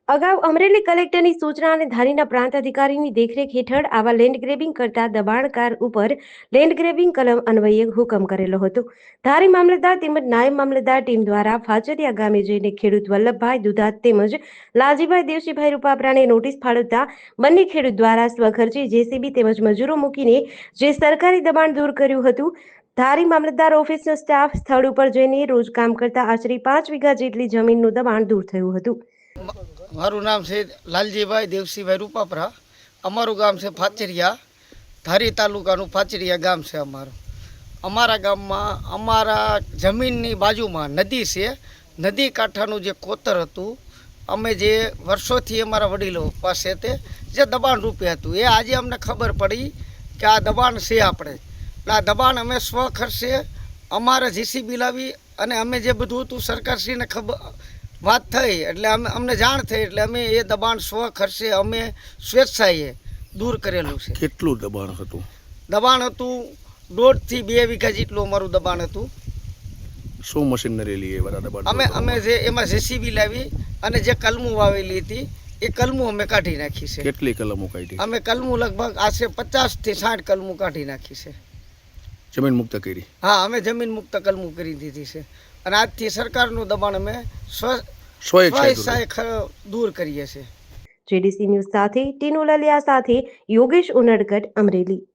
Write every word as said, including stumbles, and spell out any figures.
અગાઉ અમરેલી કલેક્ટરની સૂચના અને ધારીના પ્રાંત અધિકારીની દેખરેખ હેઠળ આવા લેન્ડ ગ્રેબિંગ કરતા દબાણકાર ઉપર લેન્ડ ગ્રેબિંગ કલમ અન્વયે હુકમ કરેલો હતો. ધારી મામલતદાર તેમજ નાયબ મામલતદાર ટીમ દ્વારા ફાચરિયા ગામે જઈને ખેડૂત વલ્લભભાઈ દુધાત તેમજ લાલજીભાઈ દેવસીભાઈ રૂપાપરાને નોટિસ ફાળવતા બંને ખેડૂત દ્વારા સ્વખર્ચે જેસીબી તેમજ મજૂરો મૂકીને જે સરકારી દબાણ દૂર કર્યું હતું. ધારી મામલતદાર ઓફિસનો સ્ટાફ સ્થળ ઉપર જઈને રોજ કામ કરતા આશરે પાંચ વીઘા જેટલી જમીનનું દબાણ દૂર થયું હતું. મારું નામ છે લાલજીભાઈ દેવસીભાઈ રૂપાપરા. અમારું ગામ છે ફાચરિયા. ધારી તાલુકાનું ફાચરિયા ગામ છે અમારું. અમારા ગામમાં અમારા જમીનની બાજુમાં નદી છે. નદી કાંઠાનું જે કોતર હતું, અમે જે વર્ષોથી અમારા વડીલો પાસે તે જે દબાણ રૂપે હતું, એ આજે અમને ખબર પડી કે આ દબાણ છે આપણે. એટલે આ દબાણ અમે સ્વ ખર્ચે અમારે જીસીબી લાવી અને અમે જે બધું હતું સરકારશ્રીને ખબર વાત થઈ એટલે અમે અમને જાણ થઈ એટલે અમે એ દબાણ સ્વ ખર્ચે અમે સ્વેચ્છાએ દૂર કરેલું છે. કેટલું દબાણ હતું? દબાણ હતું દોઢથી બે વીઘા જેટલું અમારું દબાણ હતું. શું મશીનરી લઈ એવા દબાણ? અમે અમે જે એમાં જેસીબી લાવી અને જે કલમું વાવેલી હતી એ કલમું અમે કાઢી નાખી છે. કેટલી કલમો કાઢી? અમે કલમું લગભગ આશરે પચાસ થી સાઠ કલમું કાઢી નાખી છે. જમીન મુક્ત કરી? હા, અમે જમીન મુક્ત કલમું કરી દીધી છે અને આજથી સરકારનું દબાણ અમે સ્વ સ્વેચ્છાએ દૂર કરીએ છીએ. જેડીસી ન્યૂઝ સાથે ટીનુ લલિયા સાથે યોગેશ ઉનડકટ, અમરેલી.